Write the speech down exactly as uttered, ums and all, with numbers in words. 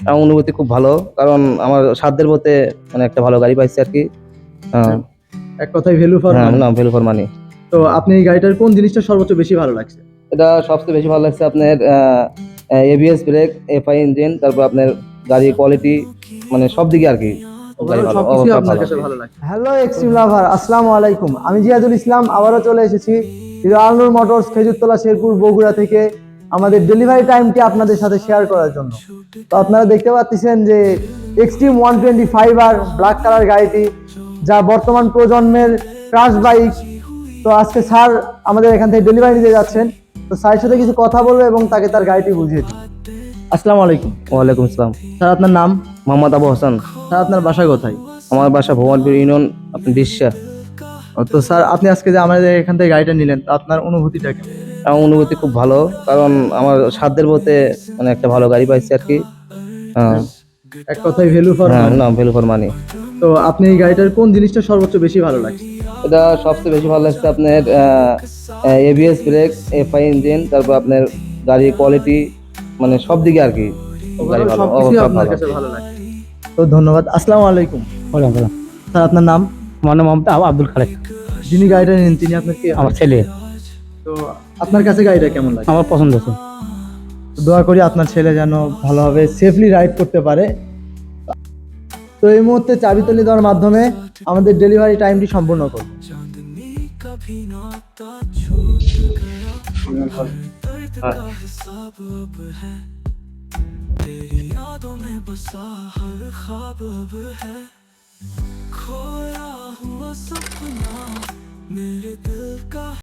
আমার অনুভূতি খুব ভালো, কারণ আমার সাধ্যের মধ্যে মানে একটা ভালো গাড়ি পাইছি আর কি। আহ, এক কথায় ভ্যালু ফর হ্যাঁ, মানি। না ভ্যালু ফর মানি। তো আপনি এই গাড়িটার কোন জিনিসটা সর্বোচ্চ বেশি ভালো লাগছে? এটা সবচেয়ে বেশি ভালো লাগছে আপনার এবিএস ব্রেক, এফআই ইঞ্জিন, তারপর আপনার গাড়ির কোয়ালিটি, মানে সব দিকে আর কি গাড়ি ওভারঅল ভালো, ও, সবকিছুই সব আপনার ভালো। কাছে ভালো লাগছে। হ্যালো এক্সট্রিম লাভার, আসসালামু আলাইকুম। আমি জিয়াদুল ইসলাম আবারও চলে এসেছি হিরো আলনুর মোটরস, খেজুরতলা, শেরপুর, বগুড়া থেকে আমাদের ডেলিভারি টাইমটি আপনাদের সাথে শেয়ার করার জন্য। তো আপনারা দেখতে পাচ্ছেন যে এক্সট্রিম ওয়ান টোয়েন্টি ফাইভ আর ব্ল্যাক কালার গাড়িটি, যা বর্তমান প্রজন্মের ক্রাশ বাইক। তো আজকে স্যার আমাদের এখান থেকে ডেলিভারি নিতে যাচ্ছেন। তো স্যারের সাথে কিছু কথা বলবো এবং তাকে তার গাড়িটি বুঝিয়ে দিই। আসসালামু আলাইকুম। ওয়ালাইকুম আসসালাম। স্যার আপনার নাম? মোহাম্মদ আবু হাসান। স্যার আপনার বাসা কোথায়? আমার বাসা ভুবনপুর ইউনিয়ন, আপনি ডিসা। ও, তো স্যার আপনি আজকে যে আমাদের এখান থেকে গাড়িটা নিলেন, তো আপনার অনুভূতিটা কেমন? আমার অনুভূতি খুব ভালো, কারণ আমার সাধ্যের মধ্যে মানে একটা ভালো গাড়ি পাইছি আর কি। আহ, এক কথায় ভ্যালু ফর হ্যাঁ, মানি। না ভ্যালু ফর মানি। তো আপনি এই গাড়িটার কোন জিনিসটা সর্বোচ্চ বেশি ভালো লাগছে? এটা সবচেয়ে বেশি ভালো লাগছে আপনার এবিএস ব্রেক, এফআই ইঞ্জিন, তারপর আপনার গাড়ির কোয়ালিটি, মানে সব দিকে আর কি গাড়ি ওভারঅল ভালো, ও, সবকিছুই সব আপনার ভালো। কাছে ভালো লাগছে। তো ধন্যবাদ। আসসালামু আলাইকুম। ওয়ালাইকুম। স্যার আপনার নাম? আমার নাম মোহাম্মদ আব- আব্দুল খালেক। যিনি গাড়িটা নিলেন তিনি আপনার কে? আমার ছেলে। তো আপনার কাছে গাড়িটা কেমন লাগে? আমার পছন্দ হয়েছে। তো দোয়া করি আপনার ছেলে যেন ভালোভাবে সেফলি রাইড করতে পারে। তো এই মুহূর্তে চাবি তুলে দেওয়ার মাধ্যমে আমাদের ডেলিভারি টাইমটি সম্পূর্ণ করব। तेरी यादों में बसा हर ख्वाब अब है, खोया हुआ सपना मेरे दिल का।